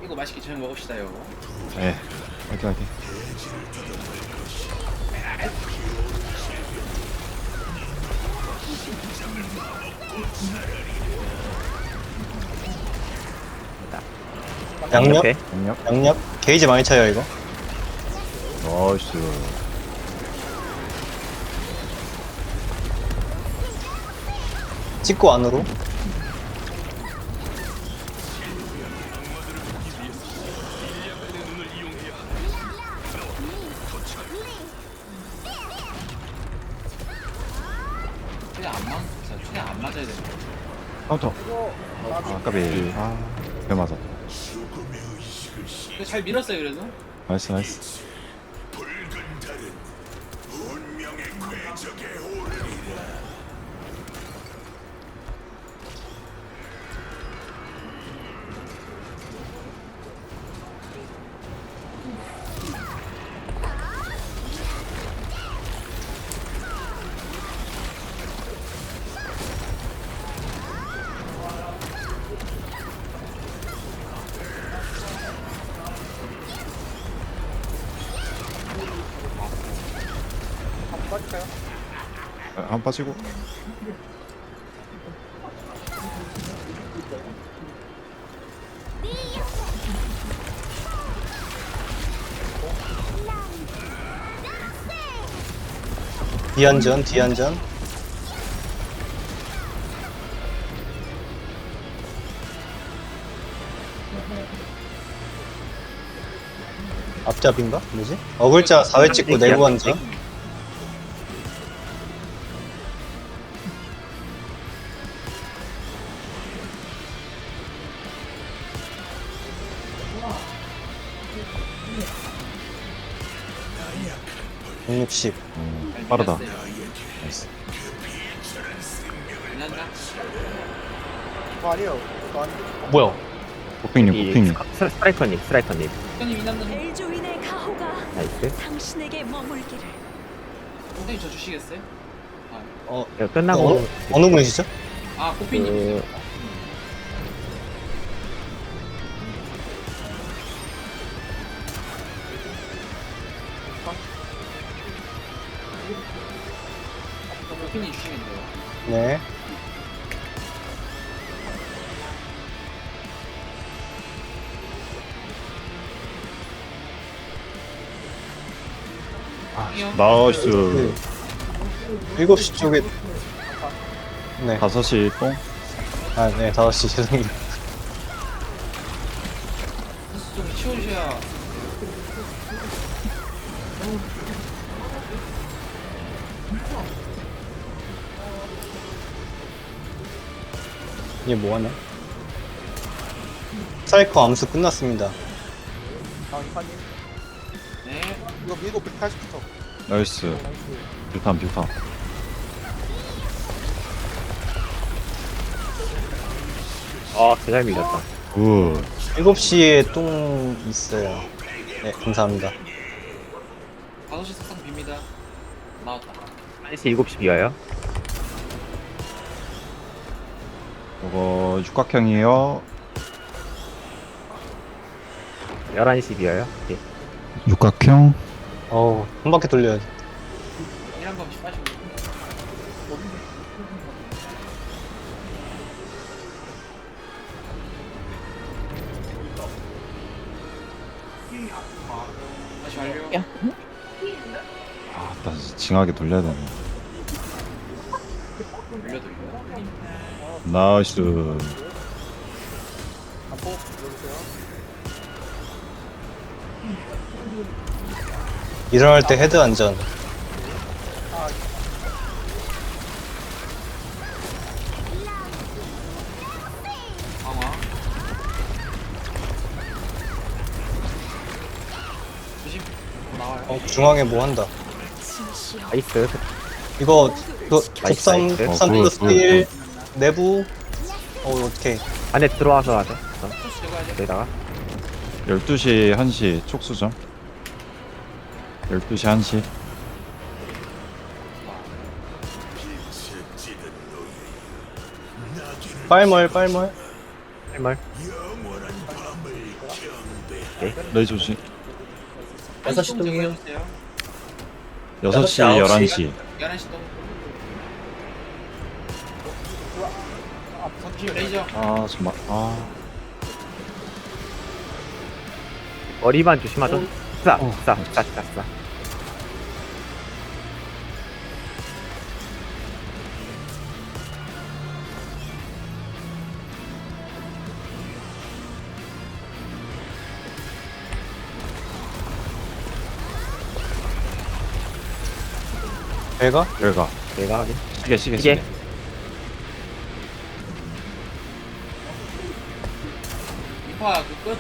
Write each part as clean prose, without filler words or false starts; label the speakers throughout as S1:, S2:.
S1: 이거 맛있게 저녁 먹읍시다 여보.
S2: 네. 화이팅 화이팅.
S3: 양옆?
S4: 오케이.
S2: 양력.
S3: 양옆? 게이지 많이 차요 이거.
S2: 나이스.
S3: 찍고 안으로.
S1: 최대한 안 맞아야 되는 거.
S2: 카운터. 아 까비. 아. 배 맞아.
S1: 근데 잘 밀었어요 그래도.
S2: 나이스 나이스. 한 빠지고.
S3: 뒤안전, 뒤안전. 앞잡인가? 뭐지? 어글자 4회 찍고 내부 안전. (160)
S2: 빠르다.
S1: 밀었어요.
S2: 나이스.
S1: 밀었나?
S3: 뭐야?
S2: 호핑님 호핑님.
S4: 스트라이커님.
S1: 형님 이남는
S5: 벨조인의 가호가
S4: 나이스.
S5: 당신에게 머물기를.
S1: 형님 저 주시겠어요?
S4: 이거 끝나고
S3: 어느 분이시죠?
S1: 아 코피님. 코피님 주시면 돼요.
S3: 네.
S2: 나이스.
S3: 7시 쪽에. 네.
S2: 5시 똥.
S3: 아, 네, 5시 죄송해요.
S1: 좀 치워주셔야.
S3: 이게 뭐하냐? 사이코 암수 끝났습니다.
S1: 네.
S2: 나이스. 뷰탄 뷰탄.
S4: 개잘 밀렸다.
S2: 굿.
S3: 7시에 똥 있어요. 네, 감사합니다.
S1: 5시 석상 빕니다. 나왔다.
S4: 1시 7시 비어요.
S2: 이거 육각형이에요.
S4: 11시 비어요. 예.
S2: 육각형.
S3: 어우, 한 바퀴 돌려야 돼.
S1: 1한 번씩 빠지고. 다시 완료.
S2: 아, 다시 징하게 돌려야 되네.
S1: 돌려드릴게요.
S2: 나이스.
S3: 일어날 때 헤드 안전.
S1: 강화. 조심. 나와요.
S3: 중앙에 뭐 한다.
S5: 진시여.
S4: 나이스.
S3: 이거, 곱삼,
S4: 나이스.
S3: 3 플러스 1, 내부. 어떡해.
S4: 안에 들어와서 하죠.
S1: 토스 제거해야 돼.
S4: 여기다가
S2: 12시 1시 촉수점. 12시 1시.
S3: 빨멀, 빨멀.
S4: 할말.
S2: 레이 조심.
S6: 6시 동이요.
S2: 6시,
S6: 9시.
S2: 11시.
S1: 11시 동. 선주 레이저.
S2: 아, 정말. 아.
S4: 머리만 조심하죠. 싸.
S3: 배가?
S2: 결과.
S4: 내가 하긴.
S2: 시계.
S4: 이게
S1: 이파 그 끝.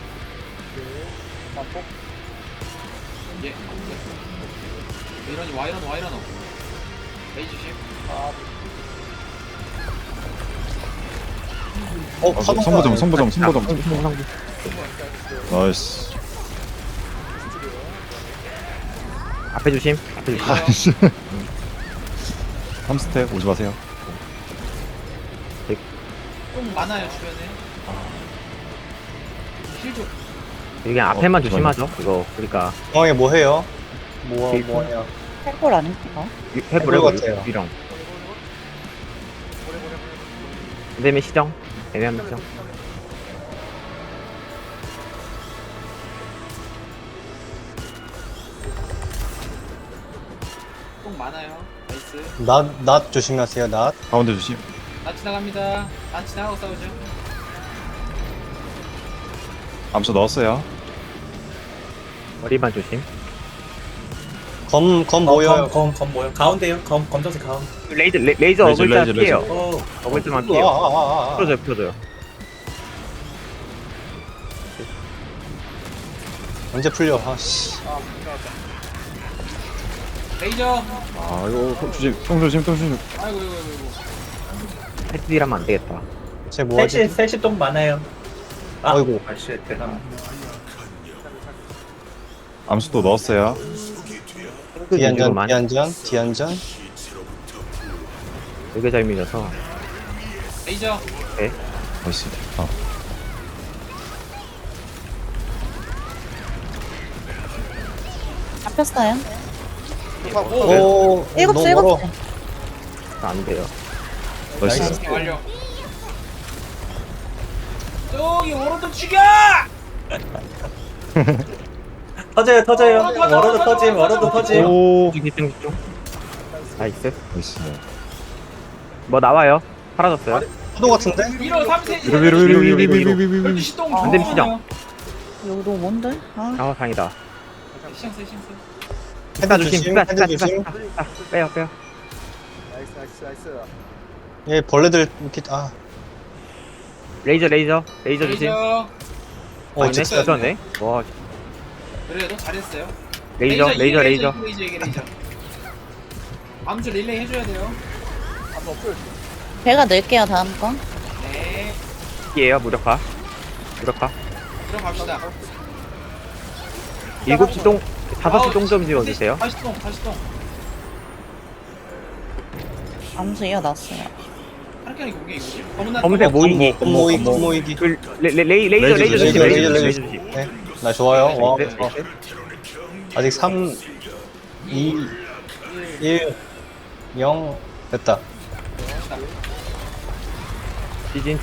S1: 예. 이런이 와이런. 레이 조심.
S2: 성보점. 나이스.
S4: 앞에 조심.
S2: 아이씨. 3스텝 오지 마세요.
S1: 좀 많아요 주변에. 힐 좀.
S4: 그냥 앞에만
S2: 그거는-
S4: 조심하죠. 이거 그러니까
S3: 중앙에 뭐 해요? 뭐야?
S7: 헬골 아닙니까?
S4: 해보려
S3: 해볼 것 같아요.
S4: 유령. 그다음에 시정. 애매한 시정.
S1: 좀 많아요. 나이스.
S3: 낫 조심하세요. 낫.
S2: 가운데 조심.
S1: 나 지나갑니다. 나 지나가고 싸우죠.
S2: 암수 넣었어요.
S4: 머리만 조심.
S3: 검 보여요.
S6: 검 뭐요? 가운데요. 검정색 가운데.
S4: 레이저
S2: 레이저,
S4: 어글자
S2: 레이저.
S4: 피해요.
S6: 오.
S4: 어글자만 피해요.
S3: 아.
S4: 풀어줘요.
S3: 언제 풀려? 아씨.
S1: 레이저.
S2: 아, 이거 똥 조심.
S1: 아이고.
S4: 패스딜하면 안 되겠다.
S3: 쟤 뭐하지?
S6: 셋이 똥 많아요.
S3: 아이고.
S6: 아씨 대단.
S2: 암수 또 넣었어요.
S3: 뒤안전.
S4: 되게 잘 밀려서.
S1: 레이저.
S2: 나이스.
S7: 잡혔어요.
S3: 오.
S7: 일곱
S3: 너무
S7: 시,
S3: 멀어.
S7: 일곱 시.
S4: 안 돼요.
S2: 나이스.
S1: 완료. 저기 오른쪽 죽여!
S6: 터져요.
S1: 터져.
S6: 워러드 터짐.
S2: 오.
S4: 집중. 나이스.
S2: 나이스.
S4: 뭐 나와요. 사라졌어요.
S3: 포도 같은데?
S1: 1호 3세.
S2: 위로.
S1: 12시 동.
S7: 안
S4: 되면 시정.
S7: 여기 너무 먼데? 아,
S4: 다행이다.
S1: 시장.
S4: 스타 조심. 스타. 빼요.
S3: 얘 벌레들 이렇게
S4: 레이저 조심.
S1: 레이저.
S4: 아니네.
S3: 진짜.
S4: 있었네. 와,
S1: 그래도 잘했어요.
S4: 레이저.
S1: 레이저. 암주 릴레이 해줘야 돼요.
S7: 배가 넣을게요, 다음 거.
S1: 네.
S4: 이에요. 무력화.
S1: 들어갑시다.
S4: 7시 동, 5시 동 좀 지워주세요.
S1: 다시 동.
S7: 암수 이어놨어요.
S1: 하르키아니 그게 이거지?
S4: 검은색 모이기.
S3: 모이기.
S4: 그, 레이저 조심.
S3: 레이저.
S4: 조심.
S3: 네. 나 좋아요. 와.
S4: 나이스.
S3: 아직 3, 2, 1, 0 됐다.
S4: 지진.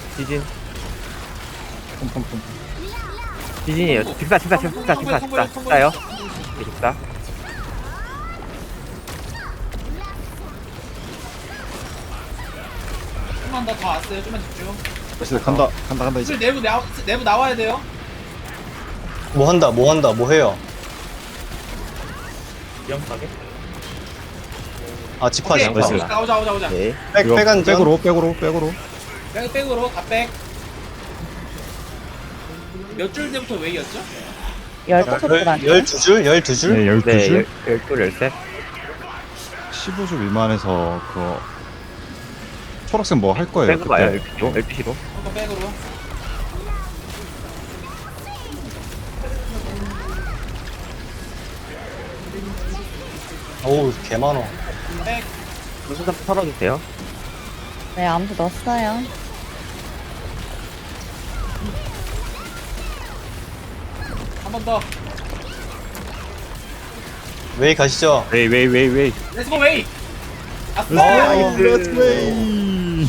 S4: 지진이에요. 직사. 직사요. 직사.
S1: 좀만 더 왔어요. 좀만 집중.
S2: 나이스. 간다 이제.
S1: 슬 내부 나와야 돼요.
S3: 뭐 해요?
S6: 위험하게.
S3: 아, 집화지.
S1: 오케이.
S2: 나이스.
S1: 오자.
S4: 네.
S3: 백안전.
S2: 백으로.
S1: 백으로 갑백. 몇 줄 때부터 웨이였죠?
S7: 15줄 아니에요?
S3: 12줄? 12줄?
S2: 네, 12줄.
S4: 네, 13.
S2: 15줄 미만에서 그거 초록색 뭐 할 거예요.
S4: 빼고 가요.
S2: 그때.
S4: 12시로.
S1: 한번 백으로.
S3: 어우, 개 많어.
S1: 백.
S4: 무슨 털어주세요.
S7: 네, 암수 넣었어요.
S1: 번 더.
S3: 웨이 가시죠.
S4: 웨이.
S1: 렛츠고 웨이. 아싸.
S3: 나이스.
S2: 렛츠 웨이.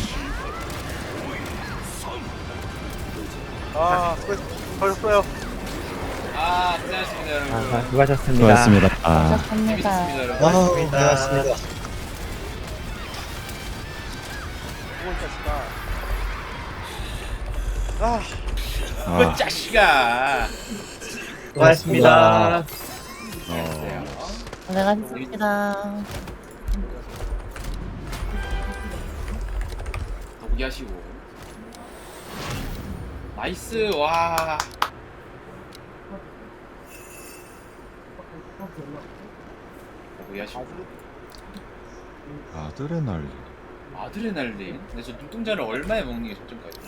S3: 아, 수고했어요.
S1: 아, 고생하셨습니다, 여러분.
S4: 아, 수고하셨습니다.
S2: 수고하셨습니다. 아,
S7: 시작합니다.
S1: 재밌었습니다, 여러분.
S3: 아우,
S6: 고맙습니다.
S3: 고맙습니다.
S2: 아.
S1: 그 자식아.
S6: 고맙습니다.
S7: 고생하셨습니다.
S1: 더보기 하시고. 나이스, 와. 더보기 하시고.
S2: 아드레날린.
S1: 아드레날린. 근데 저 눈동자를 얼마에 먹는 게 적정까지?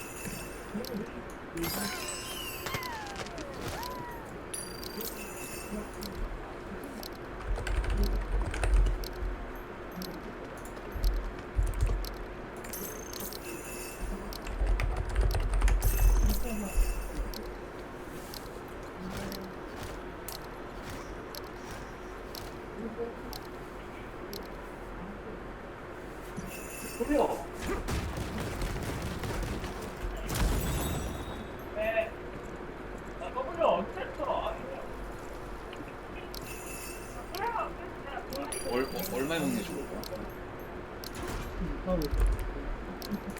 S1: 얼마에 먹는 게 좋을까?